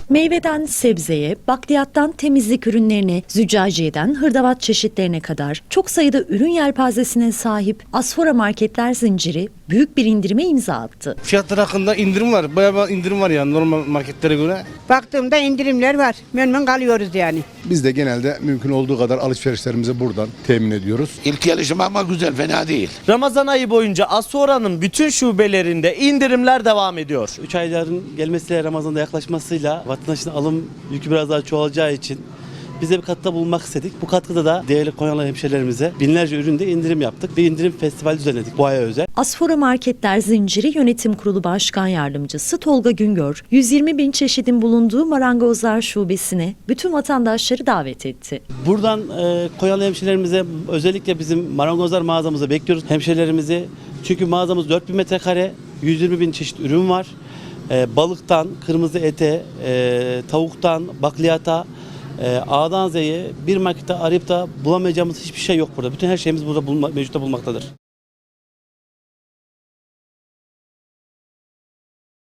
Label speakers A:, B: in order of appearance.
A: Meyveden sebzeye, bakliyattan temizlik ürünlerine, züccaciyeden hırdavat çeşitlerine kadar çok sayıda ürün yelpazesine sahip Asfora Marketler zinciri büyük bir indirime imza attı.
B: Fiyatlar hakkında indirim var. Bayağı bir indirim var yani normal marketlere göre.
C: Baktığımda indirimler var. Memnun kalıyoruz yani.
D: Biz de genelde mümkün olduğu kadar alışverişlerimizi buradan temin ediyoruz.
E: İlk gelişim ama güzel, fena değil.
F: Ramazan ayı boyunca Asfora'nın bütün şubelerinde indirimler devam ediyor.
G: 3 ayların gelmesiyle, Ramazan'da yaklaşmasıyla vatandaşın alım yükü biraz daha çoğalacağı için biz de bir katkıda bulunmak istedik. Bu katkıda da değerli Konyalı hemşehrilerimize binlerce üründe indirim yaptık. Bir indirim festivali düzenledik bu aya özel.
A: Asfora Marketler Zinciri Yönetim Kurulu Başkan Yardımcısı Tolga Güngör, 120 bin çeşidin bulunduğu Marangozlar Şubesi'ne bütün vatandaşları davet etti.
G: Buradan Konyalı hemşehrilerimize, özellikle bizim marangozlar mağazamıza bekliyoruz hemşehrilerimizi. Çünkü mağazamız 4000 metrekare, 120 bin çeşit ürün var. Balıktan, kırmızı ete, tavuktan, bakliyata, A'dan Z'ye bir markette arayıp da bulamayacağımız hiçbir şey yok burada. Bütün her şeyimiz burada mevcutta bulmaktadır.